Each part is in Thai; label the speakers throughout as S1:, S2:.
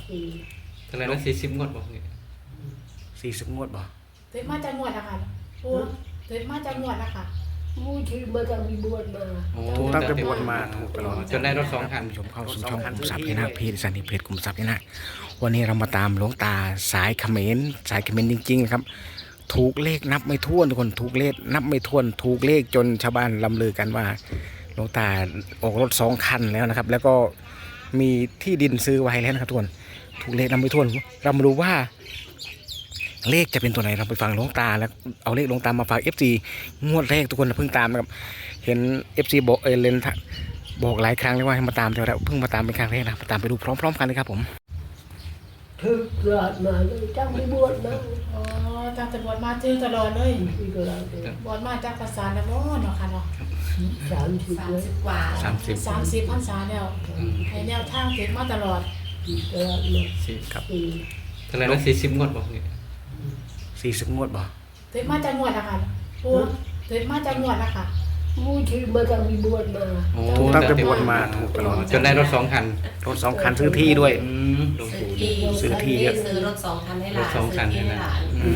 S1: เท่าไหร่นะ40 งวดบอกเนี่ย
S2: 40 งวดบ่
S3: เต็มมาจากงวดอะค่ะปูเต็มมาจากงวดอะค่ะ
S4: มูที่มาจากมีบวชมา
S2: ถูกตั้งแต่บวชมาถูกตลอด
S1: จนได้รถ2 คัน
S2: ชมเข้าสู่ช่องคุมทรัพย์นะเพจสันนิเพจคุมทรัพย์นะวันนี้เรามาตามหลวงตาสายเขมรจริงๆครับถูกเลขนับไม่ถ้วนทุกคนถูกเลขนับไม่ถ้วนถูกเลขจนชาวบ้านลำลือกันว่าหลวงตาออกรถ2 คันแล้วนะครับแล้วก็มีที่ดินซื้อไว้แล้วนะครับทุกคนถูกเลขนับไม่ถ้วนเรามาดูว่าเลขจะเป็นตัวไหนเราไปฟังหลวงตาแล้วเอาเลขหลวงตามาฝาก FC งวดแรกทุกคนเพิ่งตามนะครับเห็น FC บอกเลนบอกหลายครั้งเลยว่าให้มาตามแต่เราเพิ่งมาตามเป็นครั้งแรกนะมาตามไปดูพร้อมๆกันเลยครับผม
S4: ถึกเกิดมาจากมีบวชมา
S3: อ๋อจากแต่บวชมาเจอตลอดเลย
S4: ที่ก็เราเป็น
S3: บวชมาจากภาษาแล้วเนาะค่ะเนาะ
S4: 30เลย
S5: กว่า
S3: 30 พรรษาแล้วให้แนวทางเต็มมาตลอด
S4: ที่ก็เรามา
S2: ครับ
S4: สี่
S1: เท่าไหร่นะ40 งวดบอกเนี่ย
S2: 40 งวดบ่
S3: เต็มมาจากงวดอะค่ะปูเต็มมาจากงวดอะค่ะ
S4: มูที่มาจากมีบวชมา
S2: ถูกตั้งแต่บวชมาถูกตลอด
S1: จนได้รถ2 คัน
S2: รถ2 คันซื้อที่ด้วย
S1: หลวง
S5: ซื้อ
S1: ปู่
S5: ที่
S2: ซื้อที่เยอะ
S5: ซื้อรถ2 คันให้หลาน
S1: รถสองคัน
S5: ซื้อที่ให้หลาน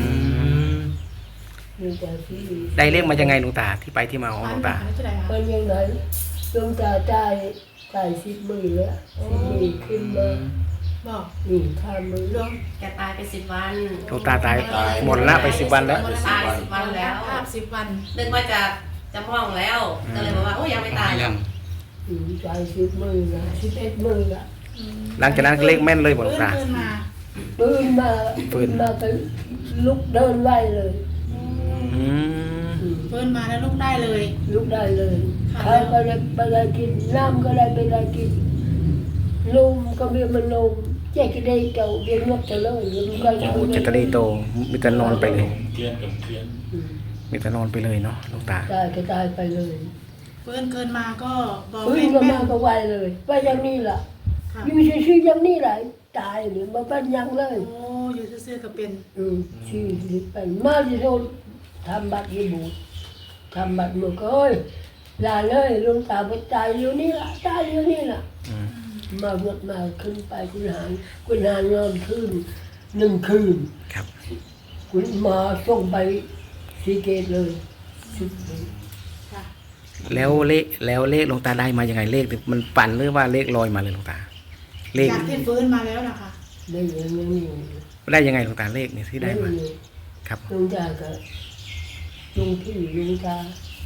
S4: มีแต่ที่
S2: ได้เลขมายังไงหลวงตาที่ไปที่มาของหลวงตา
S3: อันนี้เท่าไหร่คะ
S4: มันยังไงดวงตาจ่าย10 มื้อแล้ว10 มื้อขึ้นมา
S3: บอก
S4: นี่ข้ามมื้อ
S3: หลวง
S5: แกตายไป10 วัน
S2: หลวงตาตายหมดละไป10 วันแล้ว
S5: ตาย10 วันแล้ว
S3: ภาพ10 วัน
S5: นึกว่าจะมองแล้ว ก็เลยบอกว่าโอ้ยังไม่ตาย
S1: ยัง
S4: จ่าย10 มื้อนะ11 มื้อละ
S2: หลังจากนั้นเลขแม่นเลยบ่หลวงตา
S3: เพิ่นมา
S4: ปืนมาก็ลุกเดินไล่เลย
S2: อืม
S3: เพิ่นมาแล้วลุกได้เลย
S4: ลุกได้เลยใครก็ได้กินน้ำก็ได้ไปได้กินลมก็มีมันลมแจกได้เก่าเรียนนกจะเลยมันก็
S2: โอ้เจตรีโตมีแต่นอนไปเลย
S6: เทียนกับเทียน
S2: มีแต่นอนไปเลยเนาะหลวงตา
S4: ตายก็ตายไปเลย
S3: เพิ่นเกินมาก็บอก
S4: ปืนก็มาก็ไวเลยว่าอย่างนี้ล่ะ
S3: ค่ะ
S4: อยู่ชื่อๆอย่างนี้แหละตายหรือมาเป็นยังเลย
S3: โอ้อยู่ซื่อๆก็เป็น
S4: ชื่อเป็นมาที่โดนทำบัตรยีบุตรทำบัตรหมดก็เอ้ยลาเลยลุงตาไปตายอยู่นี่ล่ะตายอยู่นี่ล่ะ
S2: อืม
S4: มาหมดมาขึ้นไปคุณหานอนขึ้น1 คืน
S2: ครับ
S4: คุณมาส่งไปสีเกตเลยชุดนี้
S3: ค่ะ
S2: แล้วเลขหลวงตาได้มายังไงเลขมันปั่นหรือว่าเลขลอยมาเลยหลวงตา เลข
S3: จากที่ฟื้นมาแล้วนะคะ
S4: ได้ยังนี่
S2: ได้ยังไงหลวงตาเลขเนี่ยที่ได้มาครับ
S4: ลุงตาก็ลุงพี่ลุงตา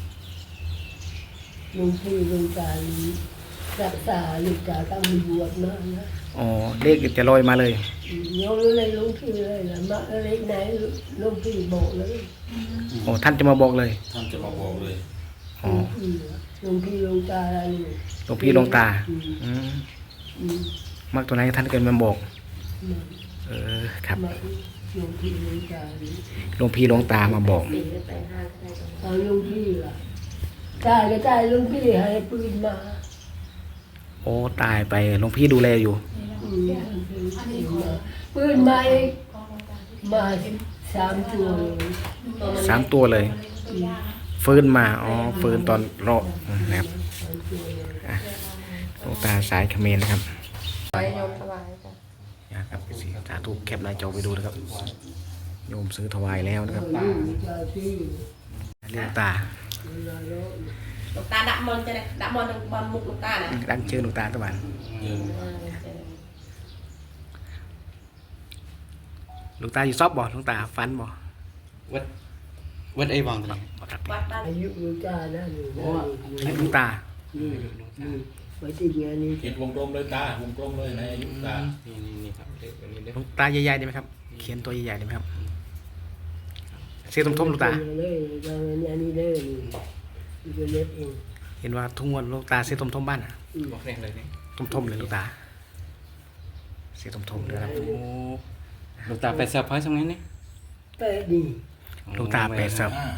S4: ลุงพี่ลุงตารักษาลูกตาตั้งมีบวชมานะ
S2: อ๋อเลขจะลอยมาเลย
S4: โยนเลยลุงพี่เลยนะมาอะไรไหนลุงพี่บอกเลย
S2: อ๋อท่านจะมาบอกเลย
S6: ท่านจะมาบอกเลย
S2: อ๋อ
S4: ลุงพี่ลุงตาอะไรนี่
S2: หลวงพี่หลวงตา
S4: อืม
S2: อืม
S4: อืม
S2: มักตัวไหนท่านเกินมาบอก ครับ
S4: มาลุงพี่ลุงตานี่
S2: หลวงพี่หลวงตามาบอก
S5: ปีนไปห้างก็ได้ตรงนั้น
S4: เอาลุงพี่ล่ะตายก็ตายลุงพี่ให้ปืนมา
S2: โอ้ตายไปหลวงพี่ดูแลอยู่
S4: อืมปืนมาอีกมา3 ตัวเลย
S2: 3 ตัวเลย ฟื้นมาอ๋อฟื้นตอนรอนะครับอ่ะหลวงตาสายเขมรนะครับ
S5: ไปโยมถวายจ้ะ
S2: นะครับสีสาธุแคปหน้าจอไปดูนะครับโยมซื้อถวายแล้วนะครับ
S4: ลูกชายที่
S2: เรียกตา
S5: หลวงตาดับมนต์จะได้ดับมนต์บอลมุกหลวงตาน่ะ
S2: ดังชื่อหลวงตาตะวันหลวงตาอยู่ซอบบ่หลวงตาฟันบ่
S1: วัดไอ้วังตรงนี้
S2: บ่ตัด
S5: วัดบ้าน
S4: อายุลูกชายนะนี่นะ
S2: อายุหลวงตา
S4: นี่ไว้ที่งานนี้
S6: เขียนวงกลมเลยตาวงกลมเลยในอายุตา
S1: นี่ครับเลขตัวนี้เด้อ
S2: หลวงตาใหญ่ๆได้ไหมครับ เขียนตัวใหญ่ๆได้ไหมครับเสียทมๆหลวงตา
S4: เลยอันนี้เลยนี่ก็เล็บเอง
S2: เห็นว่าทุ่งวันหลวงตาเสียทมๆบ้านอ่ะ
S1: บอกเลขเลยนี่
S2: ทมๆเลยหลวงตา เสียทมๆเลยครับ
S1: โอ้หลวงตาไปเซอร์ไพรส์ตรงนี้นี่
S4: แปะดี
S2: หลวงตา85
S4: เป็น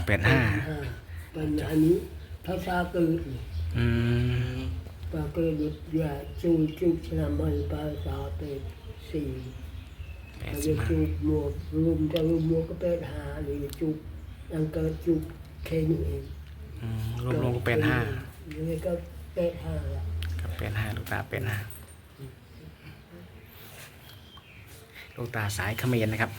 S4: อันนี้ภาษาเกิด
S2: อืม
S4: ปาเกิดอย่าจูจุกชนะมันภาษาเป็ด4ถ้าจะจุกหมวกรุมจะรุมหมวกก็เป็ด5นี่จุกยังเกิดจุกแค่นี้เอง
S2: รวมๆก็เป็น5
S4: นี่ก็เป็ด5ละ
S2: กับเป็น5หลวงตาเป็น5 หลวงตาสายเขมรนะครับ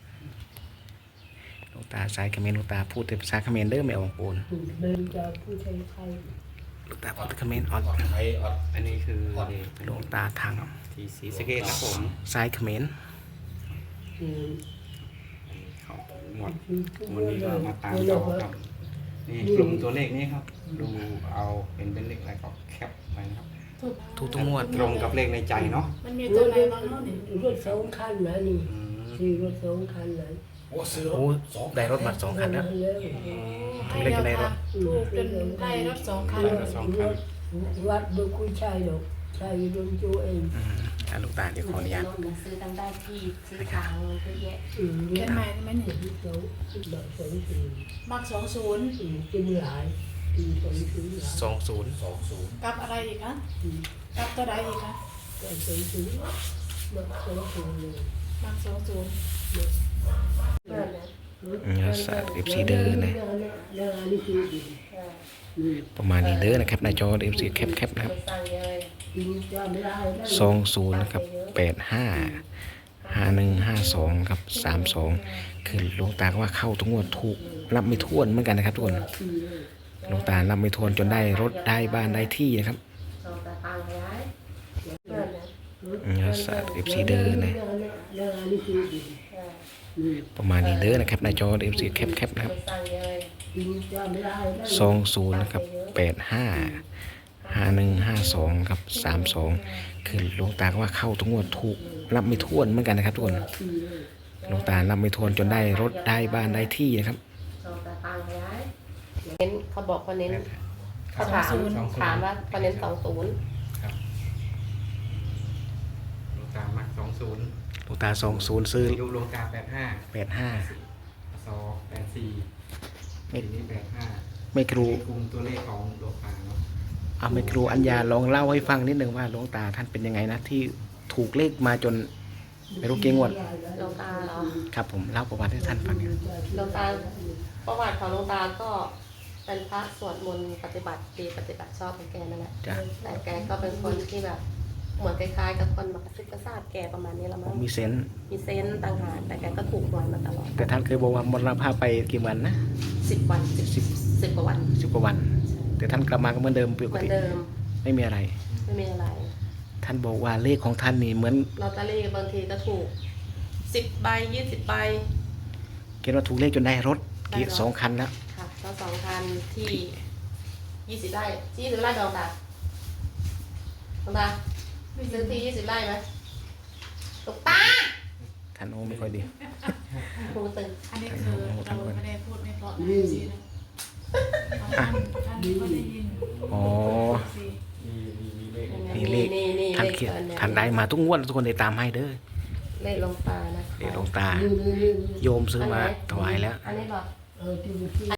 S2: หลวงตาสายเขมรหลวงตาพูดแต่ภาษาเขมรเด้อไม่ออกปูน
S4: เดินจะผู้ชายไทย
S2: หลวงตาพูดแต่เขมรอ่อน
S6: ไทยอด
S1: อันนี้คือ
S2: หลวงตาทาง
S1: ที่ศรีสะเกษครับผม
S2: สายเขมร
S4: อืม
S1: เขาหมดวันนี้ก็มาตามต่อครับนี่กลุ่มตัวเลขนี้ครับ ดูเอาเป็นเลขอะไรก็แคปไว้นะครับ
S3: ถูก
S2: ทุกงวด
S1: ตรงกับเลขในใจเนาะ
S3: มันมีตัวไหนบ้างเนาะนี่
S4: รถสองคันนะนี่
S1: อืม
S4: สี่รถสองคันนะ
S6: โอ้ซื้อร
S2: โอ้
S6: ถสอง
S2: ได้รถมา2 คันแล้ว
S3: ให้เดียวค่ะถูกจนได้รถ2 คัน
S4: วัดดูคุยชายดอกชายโดนจูเอง
S2: หลวงตาเดี๋ยวขออนุญาต
S5: ซื้อตั้งได้ที่ซื้อทางเยอะแยะ
S3: เขียนใหม่ได้ไหมนี่
S4: สองดอกสองสี่
S3: มัก20
S4: กินหลายปีสองสี่หลาย
S2: 20
S3: กับอะไรอีกคะกับตัวใดอีกคะ
S4: สองสี่มาสองสี่เลย
S3: มัก20
S2: สาย FC เด้อนะประมาณนี้เด้อนะครับหน้าจอ FC แคปนะครับ
S5: สั่งเลย
S2: 20นะครับ855152ครับ32คือหลวงตาก็ว่าเข้าทุกงวดถูกนับไม่ถ้วนเหมือนกันนะครับทุกคนหลวงตานับไม่ถ้วนจนได้รถได้บ้านได้ที่นะครับ
S5: ส่งตาตังย้าย
S2: สาย FC เด้อนะประมาณนี้เด้อนะครับหน้าจอ FC แคปนะครับ
S5: สั่งเลย
S2: 20นะครับ855152ครับ32คือหลวงตาก็ว่าเข้าทุกงวดถูกนับไม่ถ้วนเหมือนกันนะครับทุกคนหลวงตานับไม่ถ้วนจนได้รถได้บ้านได้ที่นะครับ
S5: ส่งตาตังย้ายเน้นเขาบอกเขาเน้นเขาถามว่าเขาเน้น20
S1: ครับหลวงตามัก20
S2: หลวงตา20ซื้อ
S1: อายุหลวงตา85
S2: 85
S1: 84ปีนี้85
S2: ไม่ครู
S1: กลุ่มตัวเลขของหลวงตาเนาะ
S2: เอาไม่ครูอัญญาลองเล่าให้ฟังนิดหนึ่งว่าหลวงตาท่านเป็นยังไงนะที่ถูกเลขมาจนไม่รู้กี่งวด
S5: หลวงตาเหรอ
S2: ครับผมเล่าประวัติให้ท่านฟังหน่อย
S5: หลวงตาประวัติของหลวงตาก็เป็นพระสวดมนต์ปฏิบัติดีปฏิบัติชอบของแกนั่นแหละ
S2: จ้ะ
S5: แต่แกก็เป็นคนที่แบบเหมือนคล้ายๆกับคนมากระซิบกระซาบแกประมาณนี้ละ
S2: ผ
S5: มั้
S2: ม
S5: ง
S2: มีเซนส์
S5: มีเซนส์ต่างหากแต่แกก็ถูกหวยมาตลอด
S2: แต่ท่านเคยบอกว่ามรณภาพไปกี่วันนะ
S5: 10 วัน10กว่าวัน
S2: 10 กว่าวัน แต่ท่านกลับมาก็เหมือนเดิมป
S5: เห
S2: ก
S5: มือน
S2: ติ
S5: เดิม
S2: ไม่มีอะไร
S5: ไม่มีอะไร
S2: ท่านบอกว่าเลขของท่านนี่เหมือน
S5: ลอตเตอรี่บางทีก็ถูก10 ใบ20 ใบ
S2: เกณฑ์ว่าถูกเลขจนได้รถ
S5: ได้รถ
S2: 2 คันแล้ว
S5: ค่ะก็2,000ที่20 ไร่ที่20 ไร่ดองตาดองตาซื้อที่20 ไร่ไหมตกตา
S2: ท่านโอ้ไม่ค่อยดี
S5: หูตึง
S3: อันนี้คือเราไม่ได้พูดไม่เพราะนะสินะท่านก็ได้ยิน
S2: อ๋อ
S3: สิ
S2: นี่เลข
S5: นี่
S2: ท่าน
S5: เลข
S2: เขียน
S5: อันนี้
S2: ท่านได้มาทุกงวดทุกคนได้ตามให้เด้อ
S5: เลขหลวงตานะ
S2: เลขหลวงตาโยมซื้อมาถวายแล้ว
S5: อันนี้บอก
S4: ที่